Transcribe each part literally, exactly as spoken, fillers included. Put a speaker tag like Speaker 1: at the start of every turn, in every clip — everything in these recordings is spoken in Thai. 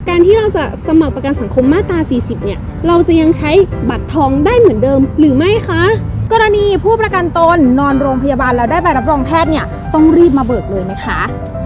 Speaker 1: การที่เราจะสมัครประกันสังคมมาตราสี่สิบเนี่ยเราจะยังใช้บัตรทองได้เหมือนเดิมหรือไม่คะ
Speaker 2: กรณีผู้ประกันตนนอนโรงพยาบาลแล้วได้ใบรับรองแพทย์เนี่ยต้องรีบมาเบิกเลยไหมคะ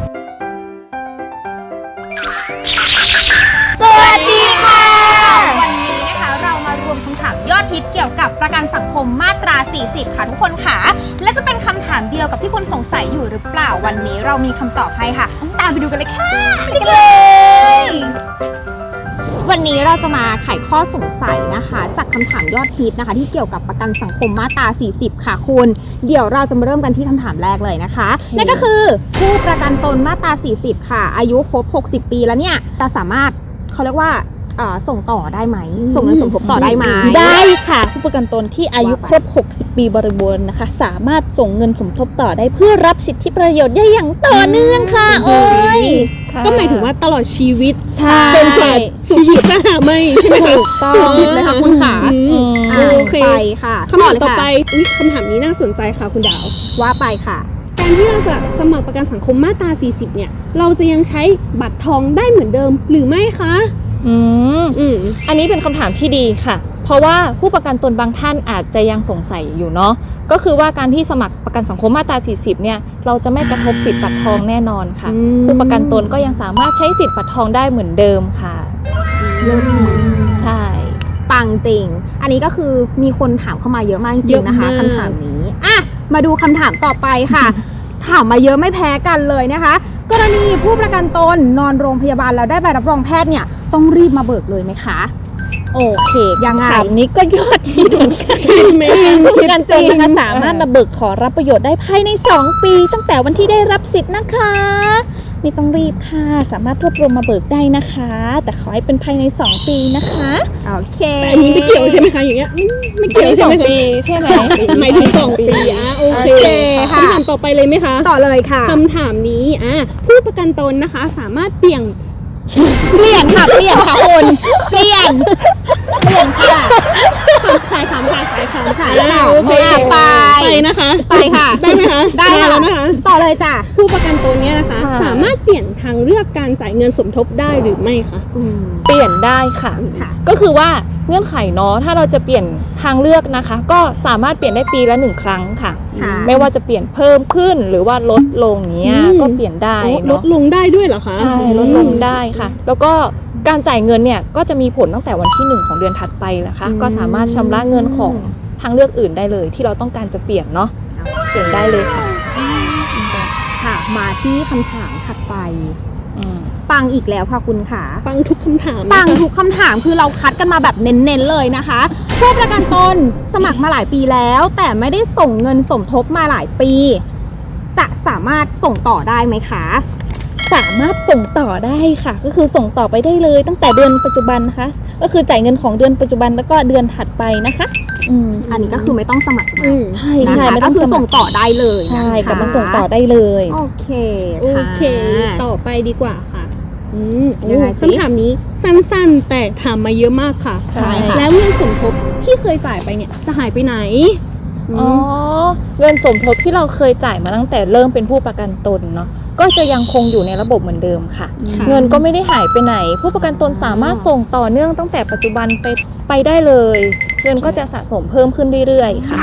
Speaker 2: สวัสดีค่ะวันนี้นะคะเรามารวมคำถามยอดฮิตเกี่ยวกับประกันสังคมมาตราสี่สิบค่ะทุกคนค่ะและจะเป็นคำถามเดียวกับที่คุณสงสัยอยู่หรือเปล่าวันนี้เรามีคำตอบให้ค่ะตามไปดูกันเลยค่ะไปกันเลยวันนี้เราจะมาไขข้อสงสัยนะคะจากคำถามยอดฮิตนะคะที่เกี่ยวกับประกันสังคมมาตราสี่สิบค่ะคุณเดี๋ยวเราจะมาเริ่มกันที่คำถามแรกเลยนะคะนั่นก็คือผู้ประกันตนมาตราสี่สิบค่ะอายุครบหกสิบปีแล้วเนี่ยจะสามารถเขาเรียกว่าส่งต่อได้ไหมส่งเงินสมทบต่อได้ไหม
Speaker 3: ได้ค่ะผู้ประกันตนที่อายุครบหกสิบปีบริบูรณ์นะคะสามารถส่งเงินสมทบต่อได้เพื่อรับสิทธิประโยชน์ได้อย่างต่อเนื่องค่ะโอ้ย
Speaker 1: ก็หมายถึงว่าตลอดชีวิต
Speaker 3: จน
Speaker 1: กว่าชีวิตจะหาไม่ใช่ไหมคะ
Speaker 2: สุดฤทธิ์เลยค่ะคุณขา
Speaker 1: โอเค
Speaker 2: ไปค่ะ
Speaker 1: คำถามต่อไปคำถามนี้น่าสนใจค่ะคุณดาว
Speaker 2: ว่าไปค่ะ
Speaker 1: การที่เราจะสมัครประกันสังคมมาตราสี่สิบเนี่ยเราจะยังใช้บัตรทองได้เหมือนเดิมหรือไม่คะ
Speaker 3: อืมอืมอันนี้เป็นคำถามที่ดีค่ะเพราะว่าผู้ประกันตนบางท่านอาจจะยังสงสัยอยู่เนาะก็คือว่าการที่สมัครประกันสังคมมาตราสี่สิบเนี่ยเราจะไม่กระทบสิทธิบัตรทองแน่นอนค่ะผู้ประกันตนก็ยังสามารถใช้สิทธิบัตรทองได้เหมือนเดิมค่ะใช่
Speaker 2: ปังจริงอันนี้ก็คือมีคนถามเข้ามาเยอะมากจริงนะคะคำถามนี้อ่ะมาดูคำถามต่อไปค่ะถามมาเยอะไม่แพ้กันเลยนะคะกรณีผู้ประกันตนนอนโรงพยาบาลแล้วได้ใบรับรองแพทย์เนี่ยต้องรีบมาเบิกเลยไหมคะ
Speaker 3: โอเค
Speaker 2: ยังไง
Speaker 3: ถามนี้ก็ยอดฮิตเหมือนกันใช่ไหมผู้ประกันตนนะคะสามารถมาเบิกขอรับประโยชน์ได้ภายในสองปีตั้งแต่วันที่ได้รับสิทธิ์นะคะไม่ต้องรีบค่ะสามารถรวบรวมมาเบิกได้นะคะแต่ขอให้เป็นภายในสองปีนะคะ
Speaker 2: โอเค
Speaker 1: แต่อันนี้ไม่เกี่ยวใช่ไหมคะอย่างเงี้ยไม่เกี่ยวใช่ไหม
Speaker 3: ปีใช่ไหม
Speaker 1: หมายถึงสองปีอ่ะโอเคคำถามต่อไปเลยไหมคะ
Speaker 2: ต่อเลยค่ะ
Speaker 1: คำถามนี้อ่ะผู้ประกันตนนะคะสามารถเปลี่ยน
Speaker 2: เปลี่ยนค่ะเปลี่ยนค่ะคุณเปลี่ยนเปลี่ยนค่ะ
Speaker 1: ขายขำขายขายขำขาย
Speaker 2: โอเคไป
Speaker 1: ไปนะคะ
Speaker 2: ไปค่ะ
Speaker 1: ได้ไหมคะ
Speaker 2: ได้
Speaker 1: แล้วนะคะ
Speaker 2: ต่อเลยจ้ะ
Speaker 1: ผู้ประกันตนเนี่ยนะคะสามารถเปลี่ยนทางเลือกการจ่ายเงินสมทบได้หรือไม่คะ
Speaker 3: เปลี่ยนได้ค่ะก็คือว่าเงื่อนไขเนาะถ้าเราจะเปลี่ยนทางเลือกนะคะก็สามารถเปลี่ยนได้ปีละหนึ่งครั้งค่ะไม่ว่าจะเปลี่ยนเพิ่มขึ้นหรือว่าลดลงเนี้ยก็เปลี่ยนได้เนาะ
Speaker 1: ลดลงได้ด้วยเหรอคะ
Speaker 3: ใช่ลดลงได้ค่ะแล้วก็การจ่ายเงินเนี่ยก็จะมีผลตั้งแต่วันที่หนึ่งของเดือนถัดไปนะคะก็สามารถชำระเงินของทางเลือกอื่นได้เลยที่เราต้องการจะเปลี่ยนเนาะเปลี่ยนได้เลยค่ะ
Speaker 2: ค่ะมาที่คำถามถัดไปปังอีกแล้วค่ะคุณค่ะ
Speaker 1: ปังทุกคำถาม
Speaker 2: ปังทุกคำถามคือเราคัดกันมาแบบเน้นๆเลยนะคะผู้ประกันตนสมัครมาหลายปีแล้วแต่ไม่ได้ส่งเงินสมทบมาหลายปีจะสามารถส่งต่อได้ไหมคะ
Speaker 3: สามารถส่งต่อได้ค่ะก็คือส่งต่อไปได้เลยตั้งแต่เดือนปัจจุบันนะคะก็คือจ่ายเงินของเดือนปัจจุบันแล้วก็เดือนถัดไปนะคะ
Speaker 2: อืมอันนี้ก็คือไม่ต้องสมัครมา
Speaker 3: ใช่ใช่
Speaker 2: ก็คือส่งต่อได้เลย
Speaker 3: ใช่กลับมาส่งต่อได้เลย
Speaker 2: โอเค
Speaker 1: โอเคต่อไปดีกว่าค่ะอืมคำถามนี้สั้นๆแต่ถามมาเยอะมากค่ะ
Speaker 2: ใช่ค่ะ
Speaker 1: แล้วเงินสมทบที่เคยจ่ายไปเนี่ยจะหายไปไหน
Speaker 3: อ๋อเงินสมทบที่เราเคยจ่ายมาตั้งแต่เริ่มเป็นผู้ประกันตนเนาะก็จะยังคงอยู่ในระบบเหมือนเดิมค่ะเงินก็ไม่ได้หายไปไหนผู้ประกันตนสามารถส่งต่อเนื่องตั้งแต่ปัจจุบันไปไปได้เลยเงินก็จะสะสมเพิ่มขึ้นเรื่อยๆค่ะ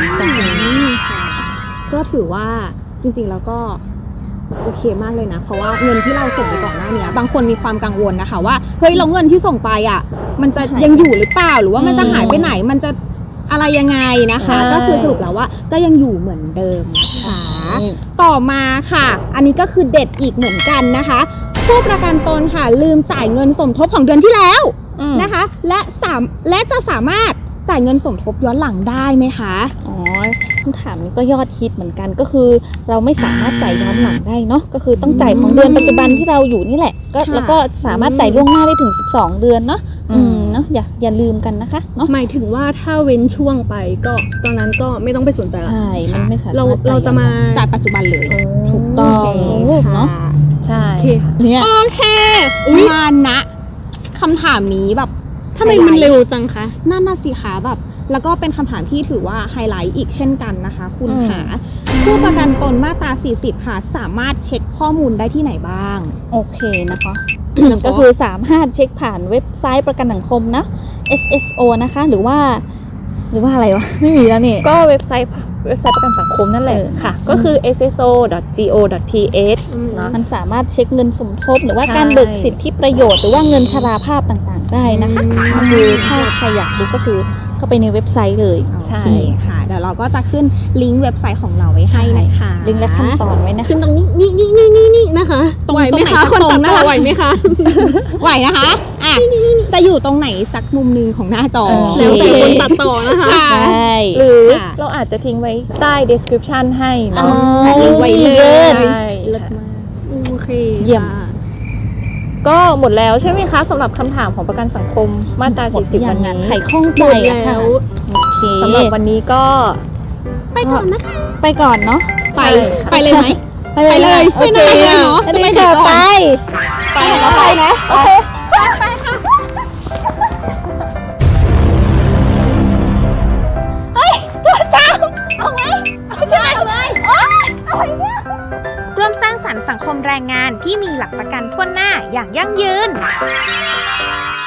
Speaker 2: ก็ถือว่าจริงๆแล้วก็โอเคมากเลยนะเพราะว่าเงินที่เราส่งไปก่อนหน้านี้บางคนมีความกังวลนะคะว่าเฮ้ยเราเงินที่ส่งไปอ่ะมันจะยังอยู่หรือเปล่าหรือว่ามันจะหายไปไหนมันจะอะไรยังไงนะคะก็คือสรุปแล้วว่าก็ยังอยู่เหมือนเดิมนะคะต่อมาค่ะอันนี้ก็คือเด็ดอีกเหมือนกันนะคะผู้ประกันตนค่ะลืมจ่ายเงินสมทบของเดือนที่แล้วนะคะและสามและจะสามารถจ่ายเงินสมทบย้อนหลังได้ไหมคะ
Speaker 3: อ๋อคำถามนี้ก็ยอดฮิตเหมือนกันก็คือเราไม่สามารถจ่ายย้อนหลังได้เนาะก็คือต้องจ่ายของเดือนปัจจุบันที่เราอยู่นี่แหละก็แล้วก็สามารถจ่ายล่วงหน้าได้ถึงสิบสองเดือนเนาะอืมเนาะอย่าอย่าลืมกันนะคะเนาะ
Speaker 1: หมายถึงว่าถ้าเว้นช่วงไปก็ตอนนั้นก็ไม่ต้องไปสนใจ
Speaker 3: ใช่มันไม่สามารถ
Speaker 1: เราเราจะมา
Speaker 2: จ่ายปัจจุบันเลย
Speaker 3: ถูกต้องเนาะใช่
Speaker 2: เนี่ยโอเคมานะคำถามนี้แบบ
Speaker 1: ทำไมมันเร็วจังคะ
Speaker 2: นั่นน่ะสิคะแบบแล้วก็เป็นคำถามที่ถือว่าไฮไลท์อีกเช่นกันนะคะคุณค่ะผู้ประกันตนมาตราสี่สิบค่ะสามารถเช็คข้อมูลได้ที่ไหนบ้าง
Speaker 3: โอเคนะคะ
Speaker 4: ก็คือสามารถเช็คผ่านเว็บไซต์ประกันสังคมนะ เอส เอส โอ นะคะหรือว่า หรือว่าอะไรวะ ไม่มีแล้วนี่
Speaker 3: ก็เว็บไซต์เว็บไซต์ประกันสังคมนั่นแหละ
Speaker 4: เออ
Speaker 3: ค่ะ ก็คือ เอส เอส โอ ดอท จี โอ ดอท ที เอช เนาะ
Speaker 4: มันสามารถเช็คเงินสมทบ หรือว่า
Speaker 3: ใช่
Speaker 4: การเบิกสิทธิประโยชน์หรือว่าเงินชราภาพต่างๆได้นะคะก็คือถ้าใครอยากดูก็คือเข้าไปในเว็บไซต์เลย
Speaker 3: ใช่
Speaker 2: โอเคค่ะ เดี๋ยวเราก็จะขึ้นลิงก์เว็บไซต์ของเราไว้ให้นะคะ
Speaker 4: ลิงก์และขั้นตอนไว้นะคะ
Speaker 1: ขึ้นตรงนี้นี่นี่นี่นี่นี่นะคะ
Speaker 2: ตรง
Speaker 1: ไหวไหม
Speaker 2: ตรงไหน
Speaker 1: คะ
Speaker 2: สัก
Speaker 1: คน
Speaker 2: ตรง
Speaker 1: ตัด
Speaker 2: นะ
Speaker 1: ต่อ
Speaker 2: คะ
Speaker 1: ไหวไหมคะ
Speaker 2: ไหวนะคะอ่ะจะอยู่ตรงไหนสักมุมหนึงของหน้าจอ
Speaker 4: โอเค
Speaker 1: แล้วแต่คนตัดต่อนะคะ
Speaker 2: ค่ะ
Speaker 4: ใช่
Speaker 3: หรือ
Speaker 2: ค่ะ
Speaker 3: เราอาจจะทิ้งไว้ใต้ description ให้
Speaker 4: อ๋อ
Speaker 3: เนาะ
Speaker 2: ลิงก์ไว้เลย
Speaker 3: ใช่
Speaker 4: เลิศ
Speaker 3: ค่ะ
Speaker 4: มาก
Speaker 1: โอเค
Speaker 4: เยี่ยม
Speaker 1: ค่ะ
Speaker 3: ก็หมดแล้วใช่ไหมคะสำหรับคำถามของประกันสังคมมาตรา
Speaker 4: หมด
Speaker 3: สี่สิบ
Speaker 4: ยั
Speaker 3: วั
Speaker 4: ง
Speaker 3: น
Speaker 4: อะ
Speaker 3: นี้
Speaker 4: ไขข้อง
Speaker 1: ห
Speaker 4: ใจ
Speaker 1: มด
Speaker 4: อะ
Speaker 1: แล้
Speaker 4: ค่ะ
Speaker 1: ว
Speaker 4: โอเค
Speaker 3: สำหรับวันนี้ก็
Speaker 1: ไปก่อนนะคะ
Speaker 4: ไปก่อนเนาะ
Speaker 2: ไป
Speaker 3: ใช่ค่ะ
Speaker 2: ไปเลยไหม
Speaker 4: ไปเลย
Speaker 2: ไปเลย
Speaker 4: โอเค
Speaker 2: ไปเลยเนาะ
Speaker 4: จะ
Speaker 2: จะ
Speaker 4: ไป
Speaker 2: ไป
Speaker 4: เจอ
Speaker 2: ก่อน
Speaker 4: ไป
Speaker 3: ไปแล้วไปนะ
Speaker 4: โอเค
Speaker 2: ร่วมสร้างสรรค์สังคมแรงงานที่มีหลักประกันทั่วหน้าอย่างยั่งยืน